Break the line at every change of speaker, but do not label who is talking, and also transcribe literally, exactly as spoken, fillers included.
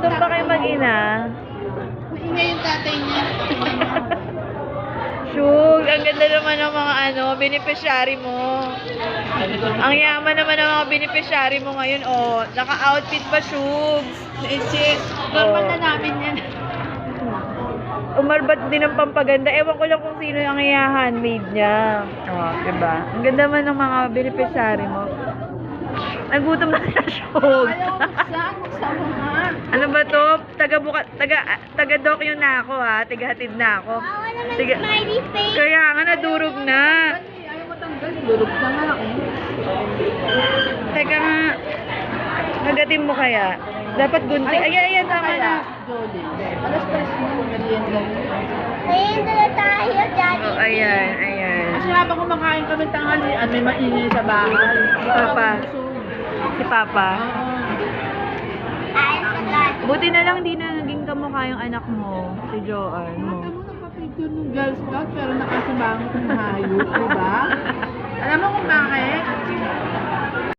Gutom pa kayo mag-ina?
Maingay yung tatay niya.
Shug, ang ganda naman ng mga ano, beneficiary mo. Ang yaman naman ng mga beneficiary mo ngayon, oh. Naka-outfit pa, Shug.
Legit. Normal na namin yan.
Umarbat din ng pampaganda. Ewan ko lang kung sino yung handmade niya. Oh, diba? Ang ganda naman ng mga beneficiary mo. Nagutom na sila, Shug.
Ayaw ko buksan. Buksan mo nga.
Ano ba to? Taga buka, taga taga doc yun na ako ha. Tigahatid na ako. Tiga,
Smiley face.
kaya nga nadurog na.
Ayaw mo tanggal. Lurog na nga eh.
Teka nga. Kagatin mo kaya. Dapat gunting. Ayan, ayan, tama na.
Jolie. Alas tres mo. Merienda mo.
Ayun na tayo, Daddy.
Oh, ayan, ayan.
Kasi habang kumakain kami tanghalian, may maingay sa bahay.
Papa.
Busog.
Si Papa.
Oo.
Ayun sa Daddy.
Buti na lang di na naging kamukha yung anak mo. Si Joanne mo.
Mata mo nagpa-picture ng Girl Scout pero nakasibangot ng hayop, di ba?